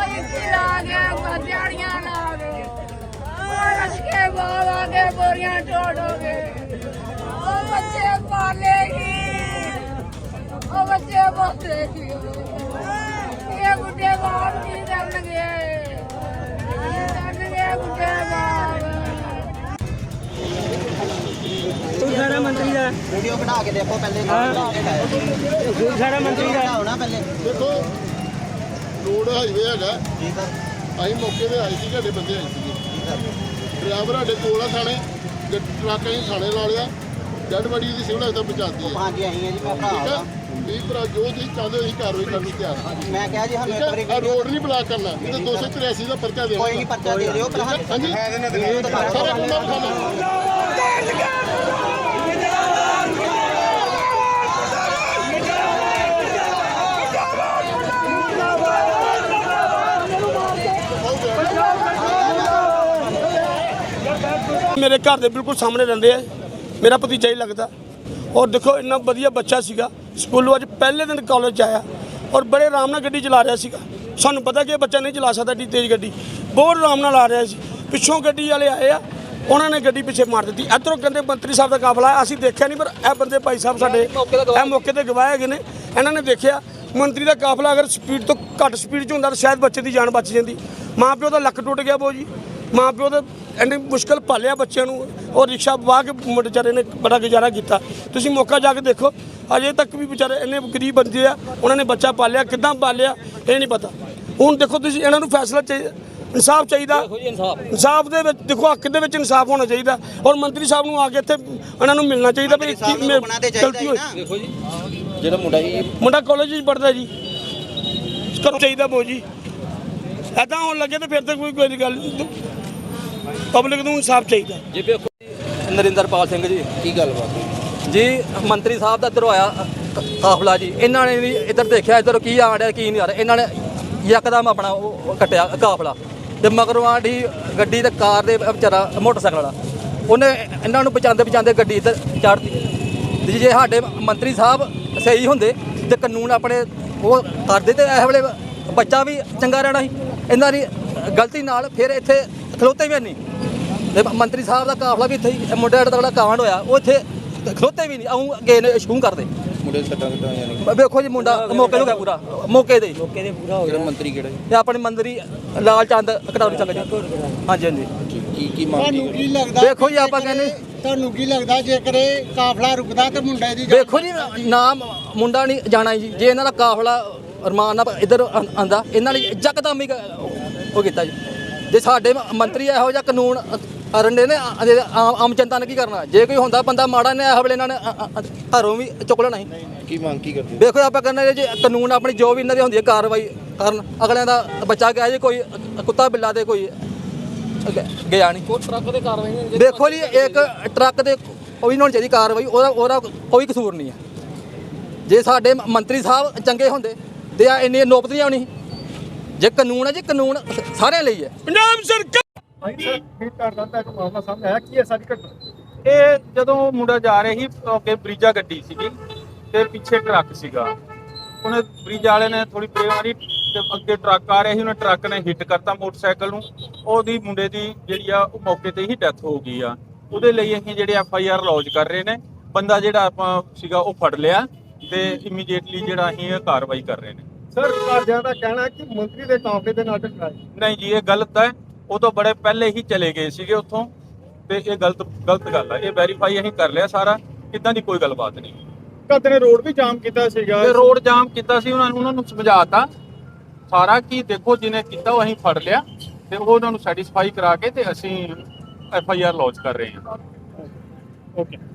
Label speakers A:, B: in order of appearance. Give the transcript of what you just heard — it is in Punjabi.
A: बोरियां तोड़ोगे ओ बच्चे पालेगी ओ बच्चे बोलेगी ये बुढ़े बाप की करनगे बुढ़े बाप
B: सारा मंत्री का
C: वीडियो बना के देखो पहले
B: सारा मंत्री का
C: होना पहले
D: देखो रोड हाईवे है
C: जी सर
D: ਅਸੀਂ ਮੌਕੇ ਤੇ ਆਏ ਸੀ ਸਾਡੇ ਬੰਦੇ ਆਏ ਸੀਗੇ ਡਰਾਈਵਰ ਸਾਡੇ ਕੋਲ ਆ ਥਾਣੇ ਟਰੱਕ ਅਸੀਂ ਥਾਣੇ ਲਾ ਲਿਆ ਡੈਡ ਬੜੀ ਦੀ ਸਿਵਲ ਹਸਪਤਾਲ ਪਹੁੰਚਾਤੀ ਹੈ
C: ਹਾਂਜੀ ਆਈ ਹਾਂ ਜੀ ਮੈਂ
D: ਠੀਕ
C: ਭਰਾ
D: ਹੈ ਵੀ ਭਰਾ ਜੋ ਤੁਸੀਂ ਚਾਹੁੰਦੇ ਹੋ ਅਸੀਂ ਕਾਰਵਾਈ ਕਰਨ ਨੂੰ ਤਿਆਰ ਹਾਂ
C: ਮੈਂ ਕਿਹਾ ਜੀ ਸਾਨੂੰ ਇੱਕ ਵਾਰੀ
D: ਆ ਰੋਡ ਨਹੀਂ ਬਲਾਕ ਕਰਨਾ ਇਹ ਤਾਂ 283 ਦਾ ਪਰਚਾ ਦੇਣਾ
C: ਕੋਈ ਨਹੀਂ ਪਰਚਾ ਦੇ ਦਿਓ ਪਰ
D: ਹਾਂਜੀ ਸਾਰਾ ਕੁੰਡਾ ਖਾਣਾ
B: मेरे घर के बिल्कुल सामने रहते हैं मेरा भतीजा ही लगता और देखो इन्ना वधिया बच्चा सीगा स्कूलों अज पहले दिन कॉलेज आया और बड़े आराम नाल गड्डी चला रहा सीगा सानू पता कि बच्चा नहीं चला सकता एड्डी तेज़ गड्डी बहुत आराम नाल आ रहा सी पिछों गड्डी वाले आए आ उन्होंने गड्डी पिछे मार दी इधरों कहते मंत्री साहब का काफला है असीं देखा नहीं पर यह बंदे भाई साहब साडे मौके पर गवाह है ने इन्होंने देखा मंत्री का काफला अगर स्पीड तो घट स्पीड च होंदा तो शायद बच्चे की जान बच जाती माँ प्यो का लक टुट गया बो जी माँ प्यो तो ਇੰਨੀ ਮੁਸ਼ਕਲ ਪਾਲਿਆ ਬੱਚਿਆਂ ਨੂੰ ਔਰ ਰਿਕਸ਼ਾ ਵਾਹ ਕੇ ਵਿਚਾਰੇ ਨੇ ਬੜਾ ਗੁਜ਼ਾਰਾ ਕੀਤਾ ਤੁਸੀਂ ਮੌਕਾ ਜਾ ਕੇ ਦੇਖੋ ਅਜੇ ਤੱਕ ਵੀ ਵਿਚਾਰੇ ਇੰਨੇ ਗਰੀਬ ਬੰਦੇ ਆ ਉਹਨਾਂ ਨੇ ਬੱਚਾ ਪਾਲਿਆ ਕਿੱਦਾਂ ਪਾਲਿਆ ਇਹ ਨਹੀਂ ਪਤਾ ਹੁਣ ਦੇਖੋ ਤੁਸੀਂ ਇਹਨਾਂ ਨੂੰ ਫੈਸਲਾ ਚਾਹੀਦਾ ਇਨਸਾਫ ਚਾਹੀਦਾ ਇਨਸਾਫ ਦੇ ਵਿੱਚ ਦੇਖੋ ਹੱਕ ਦੇ ਵਿੱਚ ਇਨਸਾਫ ਹੋਣਾ ਚਾਹੀਦਾ ਔਰ ਮੰਤਰੀ ਸਾਹਿਬ ਨੂੰ ਆ ਕੇ ਇੱਥੇ ਇਹਨਾਂ ਨੂੰ ਮਿਲਣਾ ਚਾਹੀਦਾ ਵੀ ਗਲਤੀ ਹੋਈ
E: ਦੇਖੋ ਜੀ ਜਿਹੜਾ ਮੁੰਡਾ
B: ਕਾਲਜ ਵਿੱਚ ਪੜ੍ਹਦਾ ਜੀ ਕਰੋ ਚਾਹੀਦਾ ਬੋ ਜੀ ਇੱਦਾਂ ਹੋਣ ਲੱਗੇ ਤੇ ਫਿਰ ਤਾਂ ਕੋਈ ਗੱਲ ਨਹੀਂ ਪਬਲਿਕ ਨੂੰ ਇਨਸਾਫ ਚਾਹੀਦਾ
E: ਜੀ ਵੇਖੋ ਜੀ ਨਰਿੰਦਰਪਾਲ ਸਿੰਘ ਜੀ
C: ਕੀ ਗੱਲਬਾਤ
E: ਜੀ ਮੰਤਰੀ ਸਾਹਿਬ ਦਾ ਇੱਧਰੋਂ ਆਇਆ ਕਾਫਲਾ ਜੀ ਇਹਨਾਂ ਨੇ ਵੀ ਇੱਧਰ ਦੇਖਿਆ ਇੱਧਰ ਕੀ ਆ ਰਿਹਾ ਕੀ ਨਹੀਂ ਆ ਰਿਹਾ ਇਹਨਾਂ ਨੇ ਯਕਦਮ ਆਪਣਾ ਉਹ ਕੱਟਿਆ ਕਾਫਲਾ ਤੇ ਮਗਰੋਂ ਆਂਢੀ ਗੱਡੀ ਤੇ ਕਾਰ ਦੇ ਵਿਚਾਰਾ ਮੋਟਰਸਾਈਕਲ ਵਾਲਾ ਉਹਨੇ ਇਹਨਾਂ ਨੂੰ ਬਚਾਉਂਦੇ ਗੱਡੀ ਇੱਧਰ ਚੜ੍ਹਤੀ ਜੇ ਸਾਡੇ ਮੰਤਰੀ ਸਾਹਿਬ ਸਹੀ ਹੁੰਦੇ ਤੇ ਕਾਨੂੰਨ ਆਪਣੇ ਉਹ ਕਰਦੇ ਤੇ ਇਸ ਵੇਲੇ ਬੱਚਾ ਵੀ ਚੰਗਾ ਰਹਿਣਾ ਸੀ ਇਹਨਾਂ ਦੀ ਗਲਤੀ ਨਾਲ ਫਿਰ ਇੱਥੇ ਖਲੋਤੇ ਵੀ ਨਹੀਂ ਤੇ ਮੰਤਰੀ ਸਾਹਿਬ ਦਾ ਕਾਫਲਾ ਵੀ ਇੱਥੇ ਹੀ ਮੁੰਡੇ ਦਾ ਜਿਹੜਾ ਕਾਂਡ ਹੋਇਆ ਉਹ ਇੱਥੇ ਖਲੋਤੇ ਵੀ ਨਹੀਂ ਆਉਂ ਗਏ ਨੇ ਸ਼ੂੰ ਕਰਦੇ
C: ਮੁੰਡੇ ਸੱਟਾਂ ਕਿੱਦਾਂ ਆਈਆਂ ਨੇ
E: ਵੇਖੋ ਜੀ ਮੁੰਡਾ ਮੌਕੇ ਤੋਂ ਗਿਆ ਪੂਰਾ ਮੌਕੇ ਤੇ
C: ਪੂਰਾ ਹੋ ਗਿਆ ਮੰਤਰੀ ਕਿਹੜਾ ਜੀ
E: ਤੇ ਆਪਣੇ ਮੰਤਰੀ ਲਾਲ ਚੰਦ ਕਟੌਰੀ ਚੱਕ ਜੀ ਹਾਂਜੀ ਹਾਂਜੀ
C: ਕੀ ਮੰਗ
F: ਕੀ ਲੱਗਦਾ
E: ਵੇਖੋ ਜੀ ਆਪਾਂ ਕਹਿੰਦੇ
F: ਤੁਹਾਨੂੰ ਕੀ ਲੱਗਦਾ ਜੇਕਰ ਇਹ ਕਾਫਲਾ ਰੁਕਦਾ ਤੇ ਮੁੰਡੇ ਦੀ
E: ਵੇਖੋ ਜੀ ਨਾਮ ਮੁੰਡਾ ਨਹੀਂ ਜਾਣਾ ਜੀ ਜੇ ਇਹਨਾਂ ਦਾ ਕਾਫਲਾ ਅਰਮਾਨ ਨਾਲ ਇੱਧਰ ਆਂਦਾ ਇਹਨਾਂ ਨੇ ਯਕਦਮ ਹੀ ਉਹ ਕੀਤਾ ਜੀ ਜੇ ਸਾਡੇ ਮੰਤਰੀ ਇਹੋ ਜਿਹਾ ਕਾਨੂੰਨ ਰੰਡੇ ਨੇ ਆਮ ਜਨਤਾ ਨੇ ਕੀ ਕਰਨਾ ਜੇ ਕੋਈ ਹੁੰਦਾ ਬੰਦਾ ਮਾੜਾ ਨੇ ਇਹ ਵੇਲੇ ਇਹਨਾਂ ਨੇ ਘਰੋਂ ਵੀ ਚੁੱਕ ਲੈਣਾ ਸੀ
C: ਕੀ ਮੰਗ ਕੀ ਕਰਦੇ
E: ਵੇਖੋ ਆਪਾਂ ਕਹਿੰਦੇ ਜੇ ਕਾਨੂੰਨ ਆਪਣੀ ਜੋ ਵੀ ਇਹਨਾਂ ਦੀ ਹੁੰਦੀ ਹੈ ਕਾਰਵਾਈ ਕਰਨ ਅਗਲਿਆਂ ਦਾ ਬੱਚਾ ਗਿਆ ਜੇ ਕੋਈ ਕੁੱਤਾ ਬਿੱਲਾ ਦੇ ਕੋਈ ਗਿਆ ਨਹੀਂ ਕੋਈ ਟਰੱਕ ਦੇ ਕਾਰਵਾਈ ਵੇਖੋ ਜੀ ਇੱਕ ਟਰੱਕ ਦੇ ਕੋਈ ਹੋਣੀ ਚਾਹੀਦੀ ਕਾਰਵਾਈ ਉਹਦਾ ਕੋਈ ਕਸੂਰ ਨਹੀਂ ਹੈ ਜੇ ਸਾਡੇ ਮੰਤਰੀ ਸਾਹਿਬ ਚੰਗੇ ਹੁੰਦੇ ਤੇ ਆ ਇੰਨੀ ਨੌਬਤ ਨਹੀਂ ਆਉਣੀ ਜੇ ਕਾਨੂੰਨ ਹੈ ਜੀ ਕਾਨੂੰਨ ਸਾਰਿਆਂ ਲਈ ਹੈ
B: ਪੰਜਾਬ ਸਰਕਾਰ
G: ਇਹ ਜਦੋਂ ਮੁੰਡਾ ਜਾ ਰਿਹਾ ਸੀ ਅੱਗੇ ਬਰੀਜਾ ਗੱਡੀ ਸੀਗੀ ਤੇ ਪਿੱਛੇ ਟਰੱਕ ਸੀਗਾ ਉਹਨੇ ਬਰੀਜਾ ਵਾਲੇ ਨੇ ਥੋੜੀ ਪਰੇਵਾਰੀ ਤੇ ਅੱਗੇ ਟਰੱਕ ਆ ਰਿਹਾ ਸੀ ਉਹਨੇ ਟਰੱਕ ਨੇ ਹਿੱਟ ਕਰਤਾ ਮੋਟਰਸਾਈਕਲ ਨੂੰ ਉਹਦੀ ਮੁੰਡੇ ਦੀ ਜਿਹੜੀ ਆ ਉਹ ਮੌਕੇ ਤੇ ਹੀ ਡੈਥ ਹੋ ਗਈ ਆ ਉਹਦੇ ਲਈ ਅਸੀਂ ਜਿਹੜੇ FIR ਲੌਂਚ ਕਰ ਰਹੇ ਨੇ ਬੰਦਾ ਜਿਹੜਾ ਆਪਾਂ ਸੀਗਾ ਉਹ ਫੜ ਲਿਆ ਤੇ ਇਮੀਡੀਏਟਲੀ ਜਿਹੜਾ ਅਸੀਂ ਇਹ ਕਾਰਵਾਈ ਕਰ ਰਹੇ ਨੇ
D: ਸਰ ਘਰਦਿਆਂ ਦਾ ਕਹਿਣਾ ਕਿ ਮੰਤਰੀ ਦੇ ਕਾਫਲੇ ਦੇ ਨਾਲ ਟਕਰਾਏ
G: ਨਹੀਂ ਜੀ ਇਹ ਗਲਤ ਹੈ ਉਹ ਤੋਂ ਬੜੇ ਪਹਿਲੇ ਹੀ ਚਲੇ ਗਏ ਸੀਗੇ ਉੱਥੋਂ ਤੇ ਇਹ ਗਲਤ ਗੱਲ ਹੈ ਇਹ ਵੈਰੀਫਾਈ ਅਸੀਂ ਕਰ ਲਿਆ ਸਾਰਾ ਕਿੱਦਾਂ ਦੀ ਕੋਈ ਗੱਲਬਾਤ ਨਹੀਂ
D: ਘਰ ਨੇ ਰੋਡ ਵੀ ਜਾਮ ਕੀਤਾ ਸੀਗਾ
G: ਤੇ ਰੋਡ ਜਾਮ ਕੀਤਾ ਸੀ ਉਹਨਾਂ ਨੂੰ ਸਮਝਾਤਾ ਸਾਰਾ ਕੀ ਦੇਖੋ ਜਿਹਨੇ ਕੀਤਾ ਉਹ ਅਸੀਂ ਫੜ ਲਿਆ ਤੇ ਉਹਨਾਂ ਨੂੰ ਸੈਟੀਸਫਾਈ ਕਰਾ ਕੇ ਤੇ ਅਸੀਂ FIR ਲੌਂਚ ਕਰ ਰਹੇ ਹਾਂ
D: ਓਕੇ